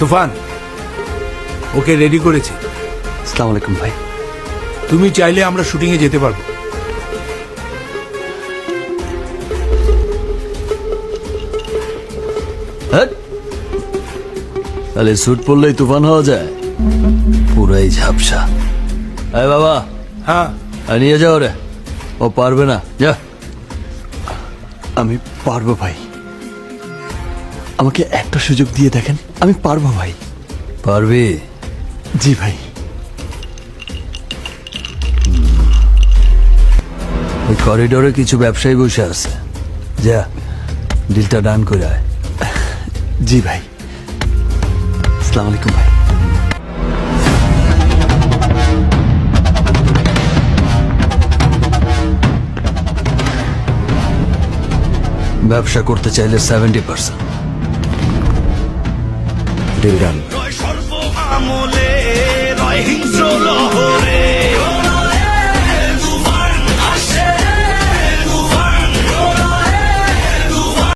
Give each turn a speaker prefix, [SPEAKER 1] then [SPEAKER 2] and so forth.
[SPEAKER 1] তুফান, okay ready করেছি।
[SPEAKER 2] আসসালামু আলাইকুম ভাই।
[SPEAKER 1] তুমি চাইলে আমরা শুটিং এ যেতে পারবো।
[SPEAKER 2] তাহলে স্যুট পরলেই তুফান হওয়া যায়? পুরাই ঝাপসা। আরে বাবা,
[SPEAKER 1] হ্যাঁ,
[SPEAKER 2] নিয়ে যাও রে, ও পারবে না। যা। আমি পারবো ভাই, আমাকে একটা সুযোগ দিয়ে দেখেন, আমি পারবো ভাই। পারবি? জি ভাই। ওই করিডোরে কিছু ব্যবসায়ী বসে আছে, যা ডিলটা ডান করে আয়। জি ভাই। আসসালামু আলাইকুম ভাই। ব্যবসা করতে চাইলে 70%। Deal done.
[SPEAKER 3] সর্ব আমলে